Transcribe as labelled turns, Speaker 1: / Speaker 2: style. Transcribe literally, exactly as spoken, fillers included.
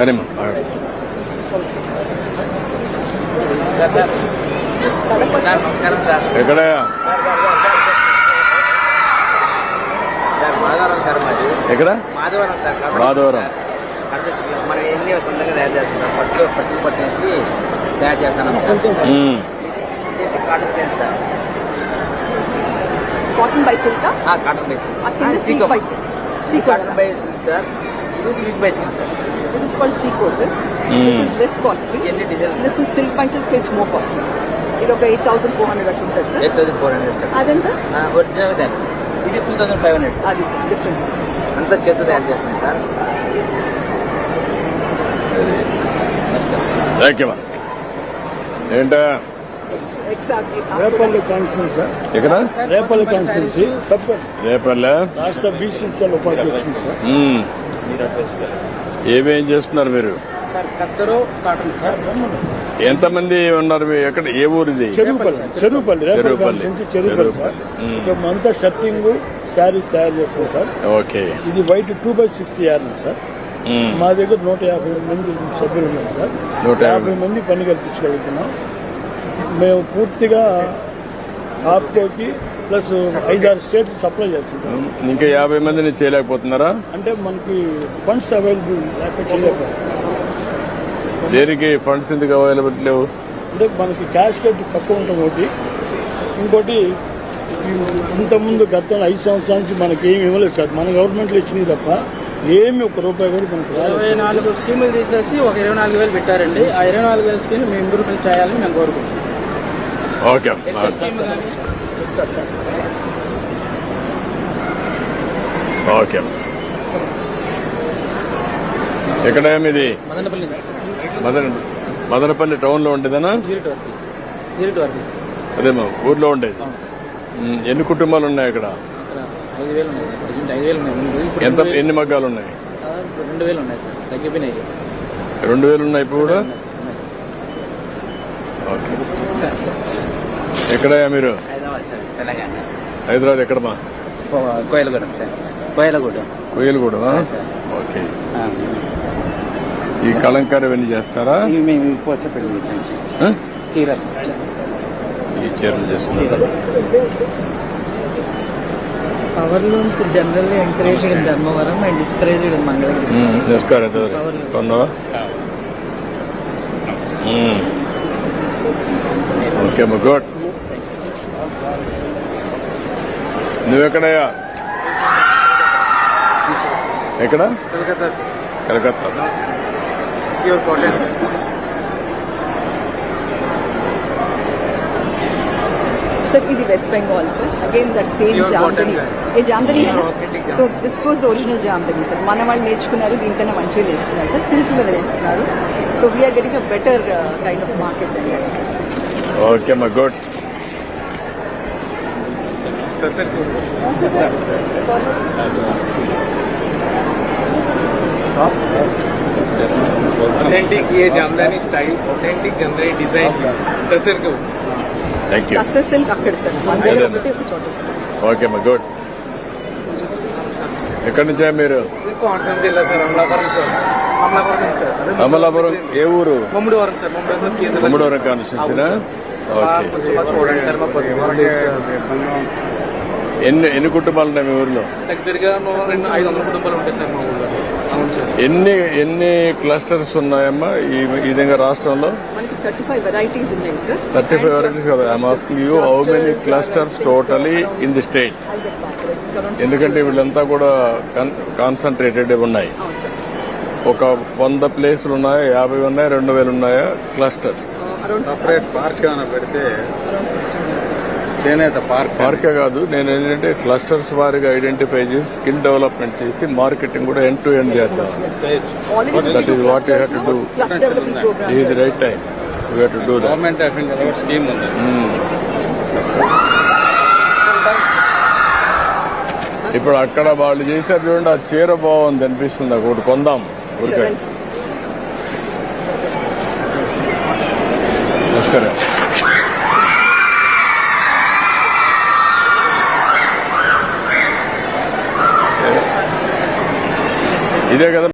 Speaker 1: అని ఎక్కడ
Speaker 2: మాధవరం సార్ మాది
Speaker 1: ఎక్కడ
Speaker 2: మాధవరం సార్
Speaker 1: మాధవరం
Speaker 2: మనం ఎన్ని సొంతంగా తయారు చేస్తాం సార్ పట్టు పట్టుకు పట్టేసి తయారు చేస్తాం sir cotton plain sir
Speaker 3: cotton by silk
Speaker 2: cotton by
Speaker 3: silk by silk
Speaker 2: cotton by silk sir ఇది silk by silk sir
Speaker 3: this is called సీకో sir this is less costly
Speaker 2: ఎన్ని designs
Speaker 3: this is silk by silk so it's more costly sir ఇది ఒక eight thousand four hundred అట్లా ఉంటుంది sir
Speaker 2: eight thousand four hundred sir
Speaker 3: అదెంత
Speaker 2: original దాన్ని ఇది two thousand five hundred sir
Speaker 3: అది sir difference
Speaker 2: అంతా చేత తయారు చేస్తాం సార్
Speaker 1: ఏంటా
Speaker 4: రేపల్లి కాన్స్టిట్యూన్సీ సార్
Speaker 1: ఎక్కడ
Speaker 4: రేపల్లి కాన్స్టిట్యూన్సీ
Speaker 1: రేపల్లె
Speaker 4: రాష్ట్ర బీసీసీఎల్ ఉపాధ్యక్షుడు సార్.
Speaker 1: ఏమేం చేస్తున్నారు మీరు?
Speaker 2: సార్ కత్తరు కాటన్ సార్.
Speaker 1: ఎంతమంది ఉన్నారు? ఎక్కడ ఏ ఊరిది?
Speaker 4: Cheruvupalli Cheruvupalli Repalle constituency Cheruvupalli sir. అంతా షర్టింగ్ శారీస్ తయారు చేస్తాం సార్.
Speaker 1: ఓకే.
Speaker 4: ఇది white two by sixty yard sir. మా దగ్గర నూట యాభై మంది సభ్యులు ఉన్నారు సార్. నూట యాభై మంది పని కల్పించగలుగుతున్నాం. మేము పూర్తిగా ఆప్కోకి ప్లస్ ఐదారు స్టేట్స్ సప్లై చేస్తున్నాం.
Speaker 1: ఇంకా యాభై మందిని చేయలేకపోతున్నారా?
Speaker 4: అంటే మనకి ఫండ్స్ అవైలబుల్ చేయలేకపోతున్నాం.
Speaker 1: దేనికి ఫండ్స్ ఎందుకు అవైలబుల్ లేవు?
Speaker 4: అంటే మనకి క్యాష్ కట్ తక్కువ ఉంటాం ఒకటి, ఇంకోటి ఇంతకుముందు గత ఐదు సంవత్సరాల నుంచి మనకి ఏమి ఇవ్వలేదు సార్. మన గవర్నమెంట్లో ఇచ్చినవి తప్ప ఏమి ఒక రూపాయి కూడా మనకు
Speaker 5: ఇరవై నాలుగు స్కీములు తీసేసి ఒక ఇరవై నాలుగు వేలు పెట్టారండి. ఆ ఇరవై నాలుగు వేల స్కీమ్ మేము ఇంప్రూవ్మెంట్ చేయాలని మేము కోరుకుంటున్నాం.
Speaker 1: ఓకే. ఓకే. ఎక్కడ ఇది?
Speaker 5: మదనపల్లి
Speaker 1: మదన మదనపల్లి టౌన్ లో ఉండేదనా? అదేమో ఊర్లో ఉండేది. ఎన్ని కుటుంబాలు ఉన్నాయి ఇక్కడ?
Speaker 5: ఐదు వేలు ఉన్నాయి. ఐదు వేలు ఉన్నాయి.
Speaker 1: ఎంత ఎన్ని మగ్గాలు ఉన్నాయి?
Speaker 5: రెండు వేలు ఉన్నాయి. తగ్గిపోయినాయి.
Speaker 1: రెండు వేలు ఉన్నాయి ఇప్పుడు కూడా. ఓకే. ఎక్కడయ్యా మీరు?
Speaker 2: హైదరాబాద్ సార్, తెలంగాణ.
Speaker 1: హైదరాబాద్ ఎక్కడమా?
Speaker 2: కోయలగూడెం సార్. కోయలగూడెం.
Speaker 1: కోయలగూడెం. ఓకే. ఈ కలంకారీ ఇవన్నీ చేస్తారా?
Speaker 2: మేము పోచపల్లి చీరలు
Speaker 1: ఈ చీరలు చేస్తున్నారు.
Speaker 3: Power looms generally encouraged in Dharmavaram and discouraged in Mangalagiri.
Speaker 1: కొన్నావా? ఓకే అమ్మా, గుడ్. నువ్వెక్కడయ్యా? ఎక్కడ? కలకత్తా.
Speaker 3: सर ఇది West Bengal sir. Again that same Jamdani. A Jamdani so this was the original Jamdani sir. మన వాళ్ళు నేర్చుకున్నారు, దీనికన్నా మంచిగా చేస్తున్నారు సార్. సిల్క్ మీద చేస్తున్నారు. So we are getting a better kind of market then sir.
Speaker 1: Okay అమ్మా, గుడ్.
Speaker 5: ऑथेंटिक ये Jamdani style, authentic Jamdani design tussar को.
Speaker 1: Thank you.
Speaker 3: టస్సర్ సిల్క్ అక్కడ సార్. మన దగ్గర ఒకటి ఒక చోట సార్.
Speaker 1: ఓకే అమ్మా, గుడ్. ఎక్కడి నుంచా మీరు?
Speaker 5: కోనసీమ జిల్లా sir. Amalapuram sir. Amalapuram sir.
Speaker 1: Amalapuram ఏ ఊరు?
Speaker 5: మమ్ముడివరం సార్. మమ్ముడివరం
Speaker 1: మమ్ముడివరం కాన్స్టిట్యూన్సీనా? ఓకే.
Speaker 5: చూడండి సార్. మా
Speaker 1: ఎన్ని ఎన్ని కుటుంబాలు ఉన్నాయి మీ ఊర్లో?
Speaker 5: దగ్గరగా రెండు ఐదు వందల కుటుంబాలు ఉంటాయి సార్ మా ఊళ్ళో. అవును సార్.
Speaker 1: ఎన్ని ఎన్ని క్లస్టర్స్ ఉన్నాయమ్మా ఈ ఈ విధంగా రాష్ట్రంలో?
Speaker 3: మనకి థర్టీ ఫైవ్ వెరైటీస్ ఉన్నాయి సార్.
Speaker 1: థర్టీ ఫైవ్ వెరైటీస్ కదా. I'm asking you how many clusters totally in the state? ఎందుకంటే వీళ్ళంతా కూడా కాన్సన్ట్రేటెడ్ ఉన్నాయి. ఒక వంద ప్లేసులు ఉన్నాయా, యాభై ఉన్నాయా, రెండు వేలు ఉన్నాయా క్లస్టర్స్?
Speaker 6: సపరేట్ పార్క్ ఏమైనా పెడితే చేనేత పార్క్
Speaker 1: పార్కే కాదు, నేను ఏంటంటే క్లస్టర్స్ వారిగా ఐడెంటిఫై చేసి స్కిల్ డెవలప్మెంట్ చేసి మార్కెటింగ్ కూడా ఎండ్ టు ఎండ్ చేద్దాం. That is what you have to do. ఇది the right time. You have to do that.
Speaker 6: Government of India scheme ఉంది.
Speaker 1: ఇప్పుడు అక్కడ వాళ్ళు చేశారు చూడండి, ఆ చీర బాగుంది అనిపిస్తుంది. ఒకటి కొందాం ఊరికే. నమస్కారం. ఇదే కదా